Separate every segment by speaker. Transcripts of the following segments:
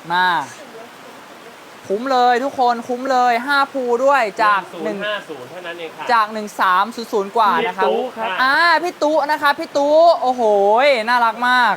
Speaker 1: มาคุ้มเลยทุกคนคุ้มเลย5ภูด้วยจาก
Speaker 2: 1050เท่านั้นเองค่ะ
Speaker 1: จาก1300กว่านะครับพี่ตุ๊นะครับพี่ตุ๊โอ้โหน่ารักมาก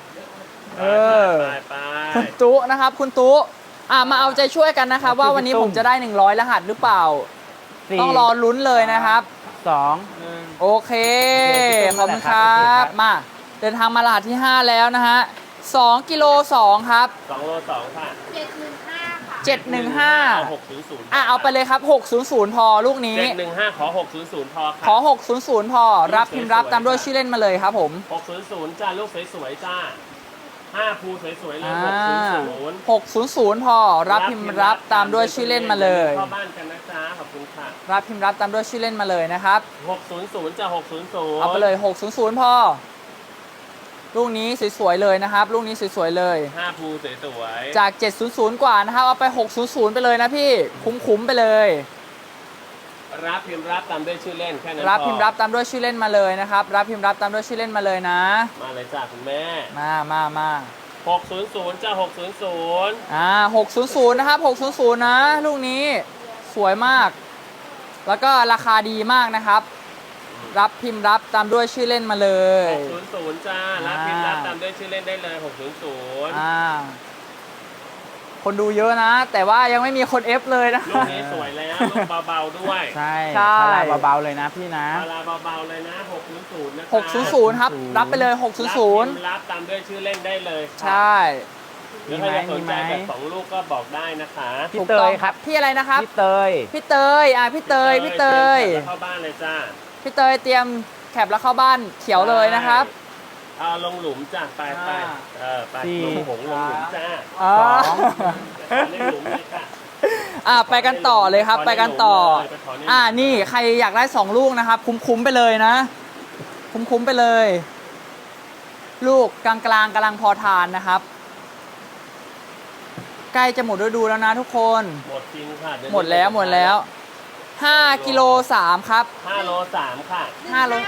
Speaker 2: ไป
Speaker 1: คุณตุ๊นะครับคุณตุ๊มาเอาใจช่วยกันนะครับว่าวันนี้ผมจะได้100รหัสหรือเปล่าต้องรอลุ้นเลยนะครับ
Speaker 3: 2
Speaker 1: โอเคขอบคุณครับมาเดินทางมารหัสที่5แล้วนะฮะ2กิโล2ครับ
Speaker 2: 2โล2ค่ะ
Speaker 1: 715
Speaker 2: เอา
Speaker 1: ไปเลยครับ600พอลูกนี้
Speaker 2: 715ขอ600พอค่ะ
Speaker 1: ขอ600พอรับพิมพ์รับตามด้วยชื่อเล่นมาเลยครับผม
Speaker 2: 600จ้าลูกสวยๆจ้า5ภูสวยๆเลย
Speaker 1: 600พอรับพิมพ์รับตามด้วยชื่อเล่นมาเลย
Speaker 2: เข้าบ้านกันนะจ๊ะขอบคุณค่ะ
Speaker 1: รับพิมพ์รับตามด้วยชื่อเล่นมาเลยนะครับ
Speaker 2: 600จ้า600
Speaker 1: เอาไปเลย600พอลูกนี้สวยๆเลยนะครับลูกนี้สวยๆเลย
Speaker 2: 5ภูสวย
Speaker 1: ๆจาก700กว่านะครับเอาไป600ไปเลยนะพี่คุ้มๆไปเลย
Speaker 2: รับพิมพ์รับตามด้วยชื่อเล่นแค่นั้น
Speaker 1: รับพิมพ์รับตามด้วยชื่อเล่นมาเลยนะครับรับพิมพ์รับตามด้วยชื่อเล่นมาเลยนะ
Speaker 2: มาเลยจ้าคุณแม่
Speaker 1: มา
Speaker 2: 600จ้า
Speaker 1: 600นะครับ600นะลูกนี้สวยมากแล้วก็ราคาดีมากนะครับรับพิมพ์รับตามด้วยชื่อเล่นมาเลย
Speaker 2: 600จ้ารับพิมพ์รับตามด้วยชื่อเล่นได้เลย600
Speaker 1: คนดูเยอะนะแต่ว่ายังไม่มีคนเอฟเลยนะ
Speaker 2: ลูกนี้สวยแล้วลูกเบาๆด้วย
Speaker 3: ใช่เบาๆเลยนะพี่นะ
Speaker 2: เบาๆเลยนะ600นะ
Speaker 1: 600ครับรับไปเลย600
Speaker 2: รับตามด้วยชื่อเล่นได้เลย
Speaker 1: ใช่
Speaker 2: มีไหมสนใจแบบ2ลูกก็บอกได้นะคะ
Speaker 3: พี่เตยครับ
Speaker 1: พี่อะไรนะครับ
Speaker 3: พี่เตย
Speaker 1: พี่เตยพี่เตย
Speaker 2: เข้าบ้านเลยจ้า
Speaker 1: พี่เตยเตรียมแคปแล้วเข้าบ้านเขียวเลยนะครับ
Speaker 2: เอาลงหลุมจ้าไปไปลงหงลงหลุมจ้า2หลุมเลยค่ะ
Speaker 1: ไปกันต่อเลยครับไปกันต่อนี่ใครอยากได้2ลูกนะครับคุ้มไปเลยนะคุ้มไปเลยลูกกลางกำลังพอทานนะครับใกล้จะหมดฤดูแล้วนะทุกคน
Speaker 2: หมดจริงค่ะ
Speaker 1: หมดแล้ว5กิโล3ครับ
Speaker 2: 5โล3ค่ะ
Speaker 1: 5โล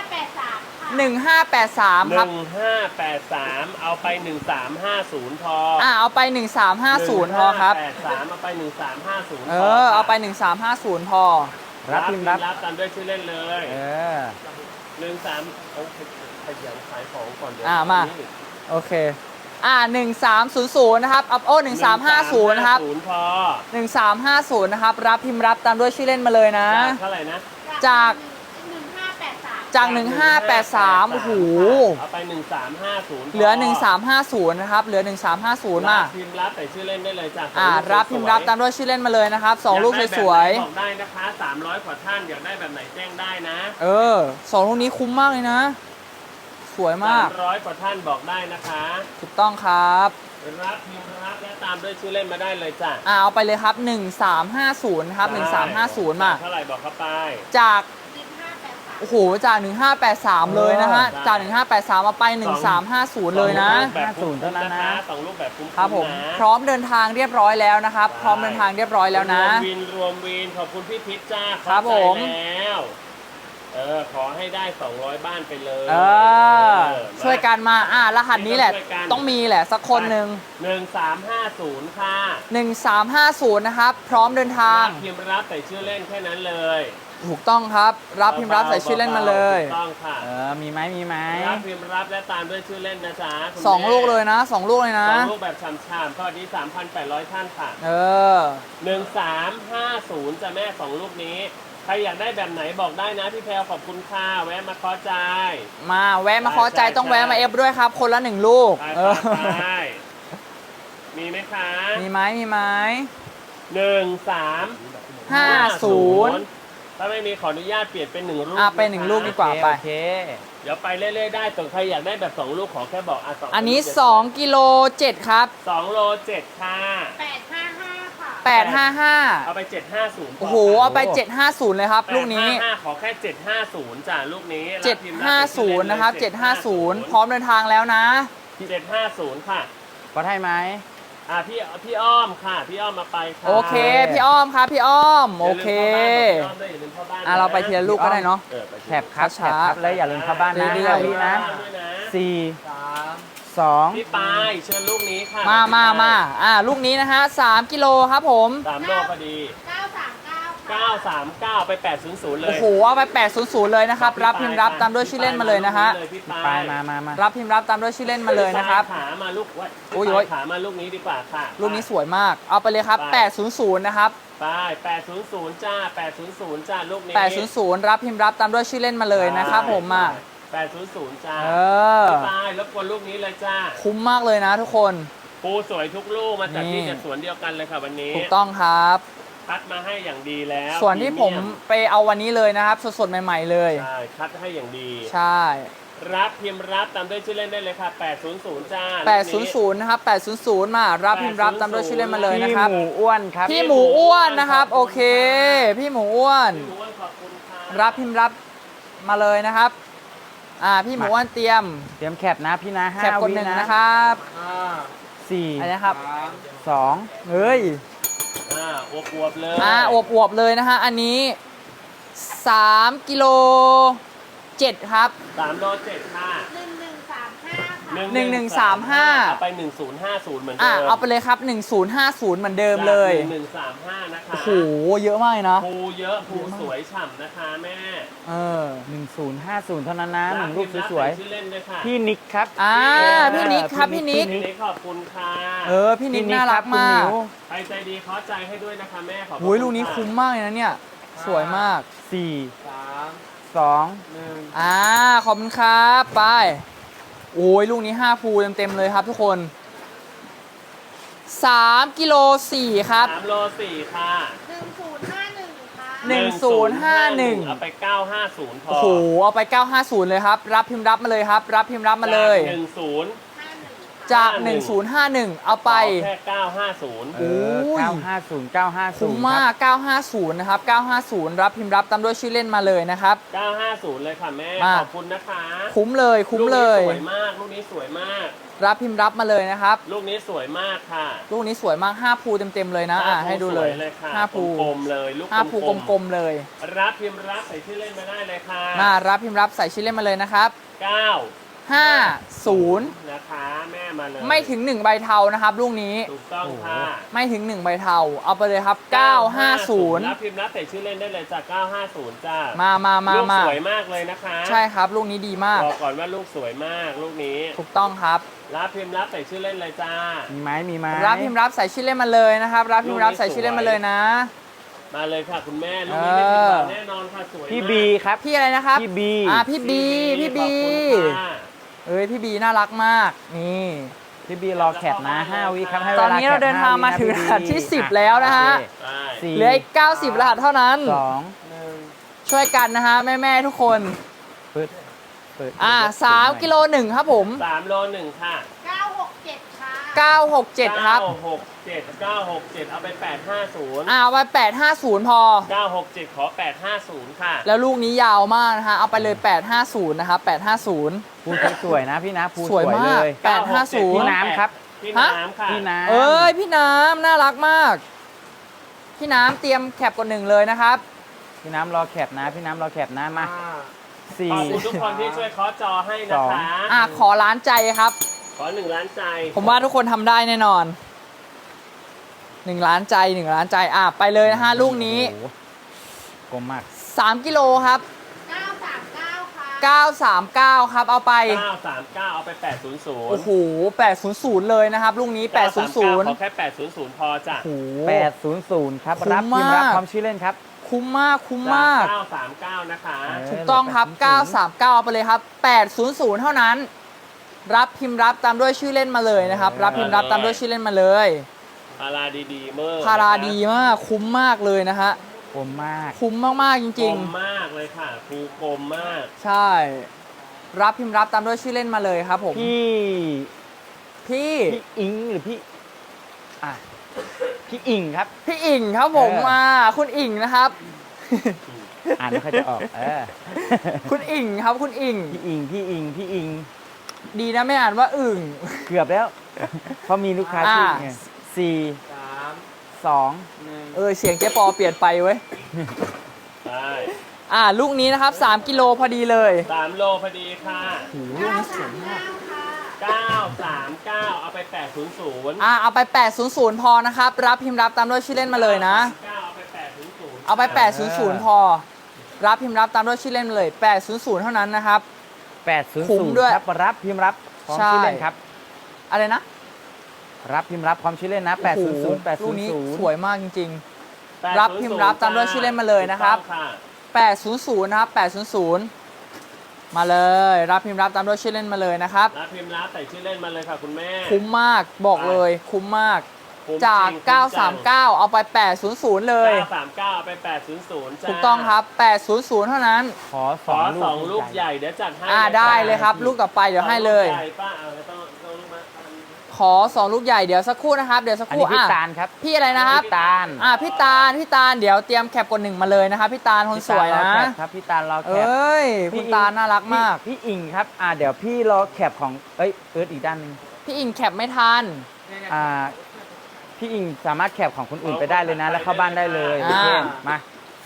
Speaker 1: 1583ครับ
Speaker 2: 1583เอาไป1350พอ
Speaker 1: เอาไป1350พอครับ
Speaker 2: 83เอาไป1350
Speaker 1: เอาไป1350พอ
Speaker 3: รับพิมพ์
Speaker 2: รับตามด้วยชื่อเล่นเลย13เอาขยันขายของก่อนเดี๋ยว
Speaker 1: มาโอเค1300นะครับ1350นะครับ1350นะครับรับพิมพ์รับตามด้วยชื่อเล่นมาเลยนะ
Speaker 2: เท่าไหร่นะ
Speaker 1: จาก1583โอ้โห
Speaker 2: เอาไป1350
Speaker 1: เหลือ1350นะครับเหลือ1350มา
Speaker 2: พิมพ์รับแต่ชื่อเล่นได้เลยจ้ะ
Speaker 1: รับพิมพ์รับตามด้วยชื่อเล่นมาเลยนะครับ2ลูกสวย
Speaker 2: ๆบอกได้นะคะ300กว่าท่านอยากได้แบบไหนแจ้งได้นะ
Speaker 1: 2ลูกนี้คุ้มมากเลยนะสวยมาก
Speaker 2: 300กว่าท่านบอกได้นะคะ
Speaker 1: ถูกต้องครับ
Speaker 2: รับพิมพ์รับและตามด้วยชื่อเล่นมาได้เลยจ้ะ
Speaker 1: เอาไปเลยครับ1350ครับ1350มา
Speaker 2: เท่าไหร่บอกเข้าไป
Speaker 1: จากโอ้โหจาก1583เลยนะฮะจาก1583มาไป1350เลยนะ
Speaker 3: 50เท่านั้นนะ
Speaker 2: 2ลูกแบบคุ้ม
Speaker 1: ครับผมพร้อมเดินทางเรียบร้อยแล้วนะครับพร้อมเดินทางเรียบร้อยแล้วนะ
Speaker 2: รวมวินขอบคุณพี่พิชจ้า
Speaker 1: ครับผม
Speaker 2: แล้วขอให้ได้200บ้านไปเลย
Speaker 1: ช่วยกันมารหัสนี้แหละต้องมีแหละสักคนหนึ่ง
Speaker 2: 1350ค่ะ
Speaker 1: 1350นะครับพร้อมเดินทาง
Speaker 2: พิมพ์รับใส่ชื่อเล่นแค่นั้นเลย
Speaker 1: ถูกต้องครับรับพิมพ์รับใส่ชื่อเล่นมาเลย
Speaker 2: ถูกต้องค่ะ
Speaker 3: มีไหม
Speaker 2: รับพิมพ์รับและตามด้วยชื่อเล่นนะจ๊ะ
Speaker 1: 2ลูกเลยนะ2ลูกเลยนะ
Speaker 2: 2ลูกแบบฉ่ำๆสวัสดี 3,800 ท่านค่ะ1350จะแม่2ลูกนี้ใครอยากได้แบบไหนบอกได้นะพี่แพรวขอบคุณค่ะแวะมาขอใจ
Speaker 1: แวะมาขอใจต้องแวะมาเอฟด้วยครับคนละ1ลูก
Speaker 2: มีไหมคะ
Speaker 1: มีไหม
Speaker 2: 1350ถ้าไม่มีขออนุญาตเปลี่ยนเป็น1ลูก
Speaker 1: เป็น1ลูกดีกว่าไป
Speaker 2: เดี๋ยวไปเรื่อยๆได้แต่ใครอยากได้แบบ2ลูกขอแค่บอก
Speaker 1: อันนี้2กิโล7ครับ
Speaker 2: 2โล7ค่ะ
Speaker 1: 855
Speaker 2: เอาไป750
Speaker 1: โอ้โหเอาไป750เลยครับลูกนี้
Speaker 2: ขอแค่750จ้ะลูกนี้
Speaker 1: 750นะครับ750พร้อมเดินทางแล้วนะ
Speaker 2: 750ค่ะ
Speaker 3: ก็ให้ไหม
Speaker 2: พี่อ้อมค่ะพี่อ้อมมาไปค่ะ
Speaker 1: โอเคพี่อ้อมครับพี่อ้อมโอเคเราไปทีละลูกก็ได้เนาะ
Speaker 3: แถบครับแล้วอย่าลืมเข้าบ้านนะพี่นะ4 3 2
Speaker 2: พี่ปายเชิญลูกนี้ค่ะ
Speaker 1: มาลูกนี้นะฮะ3กิโลครับผม
Speaker 2: 3 โลพอดี 939 ไป 800 เลย
Speaker 1: โอ้โหเอาไป800เลยนะครับรับพิมพ์รับตามด้วยชื่อเล่นมาเลยนะฮะ
Speaker 2: พี่
Speaker 3: ไป
Speaker 2: ปาย
Speaker 3: มา
Speaker 1: รับพิมพ์รับตามด้วยชื่อเล่นมาเลยนะครับ
Speaker 2: ขามาลูก
Speaker 1: โอ้ย
Speaker 2: ขามาลูกนี้ดีกว่าค่ะ
Speaker 1: ลูกนี้สวยมากเอาไปเลยครับ800นะครับ
Speaker 2: ไป800จ้า800จ้าลูกนี้
Speaker 1: 800รับพิมพ์รับตามด้วยชื่อเล่นมาเลยนะครับผมมา
Speaker 2: 800จ้า
Speaker 1: เออ
Speaker 2: พี่ปายรบกวนลูกนี้เลยจ้า
Speaker 1: คุ้มมากเลยนะทุกคน
Speaker 2: ปูสวยทุกลูกมาจาก
Speaker 1: นี่
Speaker 2: ที่จากสวนเดียวกันเลยค่ะวันนี้
Speaker 1: ถูกต้องครับ
Speaker 2: คัดมาให้อย่างดีแล้ว
Speaker 1: ส่วนที่ผมไปเอาวันนี้เลยนะครับสดๆใหม่ๆเลย
Speaker 2: ใช่คัดให้อย่างดี
Speaker 1: ใช่
Speaker 2: รับพิมพ์รับตามด้วยชื่อเล่นได้เลยค่ะ800จ้า
Speaker 1: 800นะครับ800มารับพิมพ์รับตามด้วยชื่อเล่นมาเลย
Speaker 3: พี่
Speaker 1: นะครับ
Speaker 3: หมูอ้วนครับ
Speaker 1: พี่หมูอ้วนนะครับโอเค พี่หมูอ้วน
Speaker 2: พี่หมูอ้วนขอบคุณค่ะ
Speaker 1: รับพิมพ์รับมาเลยนะครับพี่หมูอ้วนเตรียม
Speaker 3: เตรียมแคปนะพี่นะ5
Speaker 1: แคปกด
Speaker 3: วิ
Speaker 1: หนึ่ง
Speaker 3: นะ
Speaker 1: นะครับ อะไร
Speaker 3: 4
Speaker 1: นะครับ
Speaker 3: 2
Speaker 1: เฮ้ย
Speaker 2: อวบๆเลย
Speaker 1: อวบๆเลยนะฮะอันนี้3กิโล7ครับ
Speaker 2: 3 โล 7ค่ะ
Speaker 1: 1135
Speaker 2: เอาไป1050เหมือนเดิม
Speaker 1: เอาไปเลยครับ1050เหมือนเดิมเลย
Speaker 2: 1135นะคะ
Speaker 1: โอ้โหเยอะมากเลยนะ
Speaker 2: ภูเยอะภูสวยฉ่ำนะคะแม่
Speaker 3: 1050 เท่านั้นนะหนึ่งรูปสวย
Speaker 2: ชื่อเล่นด้วยค่ะ
Speaker 3: ๆพี่นิกครับ
Speaker 1: พี่นิกครับพี่นิก
Speaker 2: พี่นิกขอบคุณค่ะ
Speaker 1: พี่นิกน่ารักมาก
Speaker 2: ใครใจดีขอใจให้ด้วยนะคะแม่ขอบคุณ
Speaker 1: โอ้ยลูกนี้คุ้มมากเลยนะเนี่ยสวยมาก
Speaker 3: 4 2
Speaker 1: ขอบคุณครับไปโอ้ยลูกนี้5ภูเต็มๆเลยครับทุกคน3กิโล4ครับ
Speaker 2: 3 โล 4ค่ะ
Speaker 1: 1051
Speaker 2: เอาไป950พอ
Speaker 1: โอ้โหเอาไป950เลยครับรับพิมพ์รับมาเลยครับรับพิมพ์รับมาเลย จาก1051เอาไป
Speaker 2: แค่950
Speaker 3: เออ950
Speaker 1: คุ้มมาก950นะครับ950รับพิมพ์รับตามด้วยชื่อเล่นมาเลยนะครับ
Speaker 2: 950เลยค่ะแม่
Speaker 1: มา
Speaker 2: ขอบคุณนะคะ
Speaker 1: คุ้มเลยคุ้มเลย
Speaker 2: ลูกนี้สวยมากลูกนี้สวยมาก
Speaker 1: รับพิมพ์รับมาเลยนะครับ
Speaker 2: ลูกนี้สวยมากค่ะ
Speaker 1: ลูกนี้สวยมาก5ภูเต็มๆเลยนะให้ดูเลย
Speaker 2: สวยค่ะ
Speaker 1: 5ภู
Speaker 2: กลมๆเลยลูก
Speaker 1: 5ภูกลมๆเลย
Speaker 2: รับพิมพ์รับใส่ชื่อเล่นมาได้เลยค่ะ
Speaker 1: มารับพิมพ์รับใส่ชื่อเล่นมาเลยนะครับ 50
Speaker 2: นะคะแม่มาเลย
Speaker 1: ไม่ถึง1ใบเทานะครับลูกนี้
Speaker 2: ถูกต้องค่ะ
Speaker 1: ไม่ถึง1ใบเทาเอาไปเลยครับ950
Speaker 2: รับพิมพ์รับใส่ชื่อเล่นได้เลยจาก950จ้า
Speaker 1: มา
Speaker 2: ลูกสวยมากเลยนะคะ
Speaker 1: ใช่ครับลูกนี้ดีมาก
Speaker 2: บอกก่อนว่าลูกสวยมากลูกนี้
Speaker 1: ถูกต้องครับ
Speaker 2: รับพิมพ์รับใส่ชื่อเล่นเลยจ้า
Speaker 3: มีไหม
Speaker 1: รับพิมพ์รับใส่ชื่อเล่นมาเลยนะครับรับพิมพ์รับใส่ชื่อเล่นมาเลยนะ
Speaker 2: มาเลยค่ะคุณแม่ลูกนี้ไม่ผิดหวังแน่นอนค่ะสวยมาก
Speaker 3: พี่บีครับ
Speaker 1: พี่อะไรนะครับ
Speaker 3: พี่บี
Speaker 1: พี่บี
Speaker 2: ขอบคุณค่ะ
Speaker 1: พี่บีน่ารักมากนี่
Speaker 3: พี่บีรอแคปนะ5 วิครับให้เว
Speaker 1: ต
Speaker 3: ลา
Speaker 1: อนนี้เราเดินทางมาถึงรหัสที่10แล้วนะฮะ
Speaker 2: ใช่
Speaker 3: 4
Speaker 1: เหลืออีก90รหัสเท่านั้น
Speaker 3: 2
Speaker 1: ช่วยกันนะฮะแม่ๆทุกคน
Speaker 3: เปิด
Speaker 1: 3กิโล1ครับผม
Speaker 2: 3 โล 1 ค่ะ
Speaker 1: 967ครับ
Speaker 2: 967เอาไป850
Speaker 1: เอาไป850พอ
Speaker 2: 967ขอ850ค่ะ
Speaker 1: แล้วลูกนี้ยาวมากนะฮะเอาไปเลย850นะครับ850
Speaker 3: ภูสวยนะพี่นะภู
Speaker 1: สวยมาก
Speaker 3: เลย
Speaker 1: 850
Speaker 3: พี่น้ำครับ
Speaker 2: พี่น้ำค่ะ
Speaker 3: พี่น้ำ
Speaker 1: พี่น้ำน่ารักมาก พี่น้ำเตรียมแคปกด1เลยนะครับ
Speaker 3: พี่น้ำรอแคปนะพี่น้ำรอแคปนะมา
Speaker 2: ขอบคุณทุกคนที่ช่วยเคาะจอให้นะคะ
Speaker 1: ขอล้านใจครับ
Speaker 2: ขอ1 ล้านใจ
Speaker 1: ผมว่าทุกคนทำได้แน่นอน1 ล้านใจ1 ล้านใจไปเลยนะฮะลูกนี้
Speaker 3: โอ้โหกลมมาก
Speaker 1: 3กิโลครับ939ครับเอาไป
Speaker 2: 939เอาไป800
Speaker 1: โอ้โห800เลยนะครับลูกนี้800
Speaker 2: ขอแค่800พอจ้ะ
Speaker 1: โอ้โห
Speaker 3: 800ครับ
Speaker 1: คุ้ม
Speaker 3: รับพิมพ์รับ
Speaker 1: มาก
Speaker 3: ความชื่อเล่นครับ
Speaker 1: คุ้มมากคุ้มมาก
Speaker 2: 939นะคะ
Speaker 1: ถูกต้องครับ 939เอาไปเลยครับ800เท่านั้น รับพิมพ์รับตามด้วยชื่อเล่นมาเลยนะครับ รับพิมพ์รับตามด้วยชื่อเล่นมาเลย
Speaker 2: พาราดีๆเมื่อ
Speaker 1: พาราดีมากคุ้มมากเลยนะฮะ
Speaker 3: กลมมาก
Speaker 1: คุ้มมากๆจ
Speaker 2: กล
Speaker 1: ริง
Speaker 2: มมากเลยค่ะภูกลมมาก
Speaker 1: ๆ ใช่ รับพิมพ์รับตามด้วยชื่อเล่นมาเลยครับผม
Speaker 3: พี่
Speaker 1: พี่
Speaker 3: อิงหรือพี่พี่อิงครับ
Speaker 1: พี่อิ่งครับผมคุณอิ่งนะครับ
Speaker 3: อ่านไม่ค่อยจะออก
Speaker 1: คุณอิ่งครับคุณอิ่ง
Speaker 3: พี่อิง
Speaker 1: ดีนะไม่อ่านว่าอึ่ง
Speaker 3: เกือบแล้ว เพราะมีลูกค้าชื่อไง4 2
Speaker 1: เสียงเจ๊ปอเปลี่ยนไปเว้ย
Speaker 2: ใช่
Speaker 1: ลูกนี้นะครับ3กิโลพอดีเลย
Speaker 2: 3 โลพอดีค่ะ
Speaker 1: ลูกนี้สวยมาก
Speaker 2: 939เอาไป800
Speaker 1: เอาไป800พอนะครับรับพิมพ์รับตามด้วยชื่อเล่นมาเลยนะ
Speaker 2: เอาไป800
Speaker 1: เอาไป800พอรับพิมพ์รับตามด้วยชื่อเล่นมาเลย800เท่านั้นนะครับ คุ้มด้วย
Speaker 3: 800ครับรับพิมพ์รับพร้อม
Speaker 1: ใช่
Speaker 3: ชื่อเล่นครับ
Speaker 1: อะไรนะ
Speaker 3: รับพิมพ์รับพร้อมชื่อเล่นนะ
Speaker 1: โอ้โหลูกนี้สวย
Speaker 3: 800
Speaker 1: มากจริงๆ รับพิมพ์รับตามด้วยชื่อเล่นมาเลยนะครับ800นะครับ800มาเลยรับพิมพ์รับตามด้วยชื่อเล่นมาเลยนะครับ
Speaker 2: รับพิมพ์รับใส่ชื่อเล่นมาเลยค่ะคุณแม่
Speaker 1: คุ้มมากบอกเลยคุ้มมาก
Speaker 2: คุ้ม
Speaker 1: จาก
Speaker 2: จริงคุ้มจัง
Speaker 1: 939เอาไป800เลย
Speaker 2: 939เอาไป800จ้า
Speaker 1: ถูกต้องครับ800เท่านั้น
Speaker 3: ขอ
Speaker 2: ขอ2 ลูกใหญ่เดี๋ยวจัดให้
Speaker 1: ได้เลยครับ ลูกต่อไปเดี๋ยวให้เลย
Speaker 2: สองกใหญ่ป้าเอาต้องลูกมา
Speaker 1: ขอ2ลูกใหญ่เดี๋ยวสักครู่นะครับเดี๋ยวสัก
Speaker 3: อั
Speaker 1: คน รู่
Speaker 3: นี้พี่ตาลครับ
Speaker 1: พี่อะไรนะครับ
Speaker 3: พี่ตาล
Speaker 1: พี่ตาลเดี๋ยวเตรียมแคปกด1มาเลยนะครับพี่ตาลคนสวยนะ
Speaker 3: พี่ตาลรอแคปครับพี่ตาลรอแคป
Speaker 1: คุณตาลน่ารักมาก
Speaker 3: พี่อิงครับเดี๋ยวพี่รอแคปของเอิร์ธอีกด้านหนึง
Speaker 1: พี่อิงแคปไม่ทัน
Speaker 3: พี่อิงสามารถแคปของคนอื่นไปได้เลยนะ แล้วเข้าบ้านได้เลย
Speaker 1: อ่า
Speaker 3: เช่นมา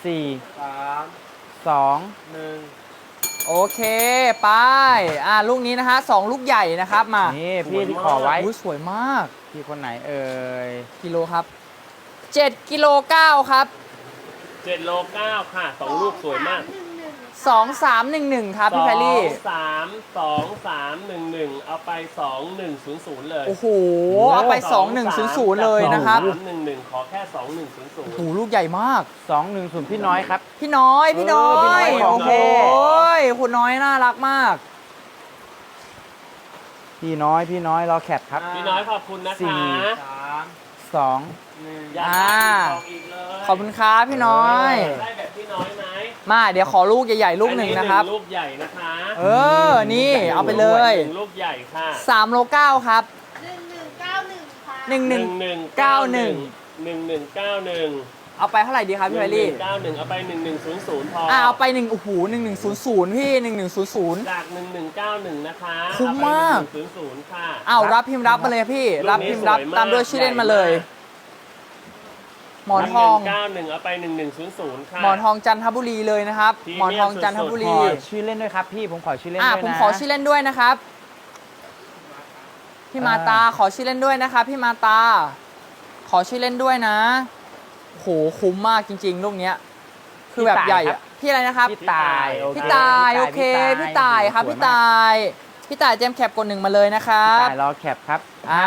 Speaker 3: 4 2
Speaker 1: โอเคไปลูกนี้นะฮะ2ลูกใหญ่นะครับมา
Speaker 3: นี่พี่ที่ขอไว้
Speaker 1: สวยมาก
Speaker 3: พี่คนไหนเอ่ย
Speaker 1: กิโลครับ7กิโล9ครับ
Speaker 2: 7โล9ค่ะ2 ลูกสวยมาก
Speaker 1: 2311ครับพี่แพรรี่
Speaker 2: 2311เอาไป2100เลย
Speaker 1: โอ้โหเอาไป2100เลยนะครับ
Speaker 2: 311ขอแค่2100
Speaker 1: โอ้โหลูกใหญ่มาก
Speaker 3: 210พี่น้อยครับ
Speaker 1: พี่น้อย
Speaker 3: พี่น้อยของ
Speaker 1: โอ้โห
Speaker 3: แท้
Speaker 1: คุณน้อยน่ารักมาก
Speaker 3: พี่น้อยรอแคปครับ
Speaker 2: พี่น้อยขอบคุณนะคะ
Speaker 3: 2
Speaker 2: อย่าขาดอีกเลย
Speaker 1: ขอบคุณครับพี่น้อย
Speaker 2: ได้แบบพี่น้อยไหม
Speaker 1: มาเดี๋ยวขอลูกใหญ่ๆลูกหนึ่งนะครับ
Speaker 2: ลูกใหญ่นะคะ
Speaker 1: นี่เอาไปเลย
Speaker 2: ลูกใหญ่ค่ะ
Speaker 1: 3โล9ครับ
Speaker 4: 1191ค่ะ
Speaker 1: 1191เอาไปเท่าไหร่ดีครับพี่แพรรี่
Speaker 2: 1191เอาไป1100พอ
Speaker 1: เอาไป1โอ้โห1100พี่1100
Speaker 2: จาก1191นะคะ
Speaker 1: คุ้มมาก
Speaker 2: เอไป1100ค่ะ
Speaker 1: รับพิมพ์รับมาเลยพี่
Speaker 2: ลูกนี้
Speaker 1: รับพิมพ์รับ
Speaker 2: สวยมาก
Speaker 1: ตามด้วยชื่อเล่นมาเลย หมอนทอง
Speaker 2: 91เอาไป1100ค่ะ
Speaker 1: หมอนทองจันทบุรีเลยนะครับ
Speaker 2: พรี
Speaker 1: หมอน
Speaker 2: เมียม
Speaker 1: ทองจันทบุ
Speaker 3: ข
Speaker 1: รี
Speaker 3: อชื่อเล่นด้วยครับพี่ผมขอชื่อเล่นด้วยนะ
Speaker 1: ผมขอชื่อเล่นด้วยนะครับ พี่มาตาขอชื่อเล่นด้วยนะครับพี่มาตา ขอชื่อเล่นด้วยนะโหคุ้มมากจริงๆลูกเนี้ยคือแบบใหญ่อะพี่อะไรนะครับ
Speaker 3: พี่ตาย
Speaker 1: พี่ตายโอเคพี่ตายครับพี่ตายเจมส์แคปกด1มาเลยนะครับ
Speaker 3: พี่ตายรอแคปครับ
Speaker 1: อ่า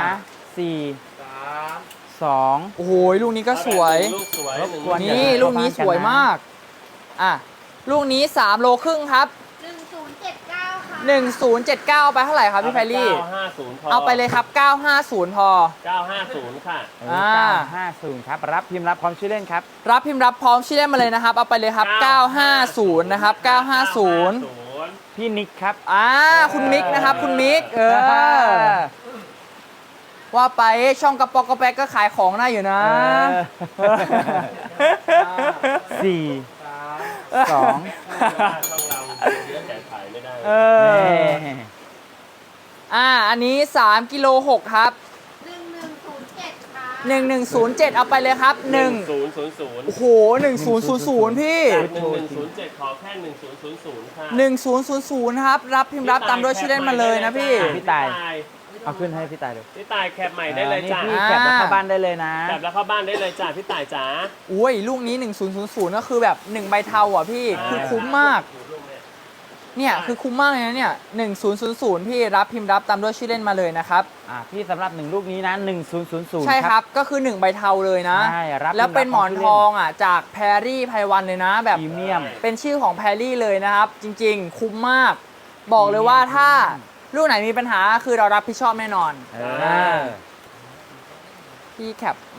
Speaker 3: 4 2
Speaker 1: โอ้โหลูกนี้ก็สวย
Speaker 2: ลูกสวย
Speaker 3: รบกวน
Speaker 1: นี่ลูกนี้สวยมากลูกนี้3โลครึ่งครับ
Speaker 4: 1079 ค่ะ
Speaker 1: 1079ไปเท่าไหร่ครับพี่แพรรี่
Speaker 2: 950พอ
Speaker 1: เอาไปเลยครับ950พอ
Speaker 2: 950ค่ะ
Speaker 3: 950ครับรับพิมพ์รับพร้อมชื่อเล่นครับ
Speaker 1: รับพิมพ์รับพร้อมชื่อเล่นมาเลยนะครับเอาไปเลยครับ950นะครับ950
Speaker 3: พี่นิกครับ
Speaker 1: คุณมิกนะครับคุณมิกว่าไปช่องกระป๋อกกระแป๊กก็ขายของได้อยู่นะ
Speaker 3: 4 2
Speaker 2: ช่องเราเยอะแต่ขายไม่ได้
Speaker 1: อันนี้3กิโล6ครับ
Speaker 4: 1107 ค่ะ
Speaker 1: 1107เอาไปเลยครับ1
Speaker 2: 1000
Speaker 1: โอ้โห1000พี่
Speaker 2: 1107ขอแค่1000ค่ะ
Speaker 1: 1000ครับรับพิมพ์รับตามด้วยชื่อเล่นมาเลยนะพี่
Speaker 3: พี่ตาย เอาขึ้นให้พี่ตายดู
Speaker 2: พี่ตายแคปใหม่ได้เลยจ้า
Speaker 3: นี่พี่แคปแล้วเข้าบ้านได้เลยนะ
Speaker 2: แคปแล้วเข้าบ้านได้เลยจ้าพี่ตายจ๋า
Speaker 1: อุ้ยลูกนี้1000ก็คือแบบ1ใบเทาอ่ะพี่คือคุ้มมากเนี่ยคือคุ้มมากเลยนะเนี่ย1000พี่รับพิมพ์รับตามด้วยชื่อเล่นมาเลยนะครับ
Speaker 3: พี่สำหรับ1ลูกนี้นะ1000
Speaker 1: ใช่ครับก็คือ1ใบเทาเลยนะ
Speaker 3: ใช่รับ
Speaker 1: แล้วเป็นหมอนทองจากแพรรี่ไพวันเลยนะแบบ
Speaker 3: พรีเมียม
Speaker 1: เป็นชื่อของแพรรี่เลยนะครับ จริงๆ คุ้มมาก บอกเลยว่าถ้าลูกไหนมีปัญหาคือเรารับผิดชอบแน่นอน พี่แคป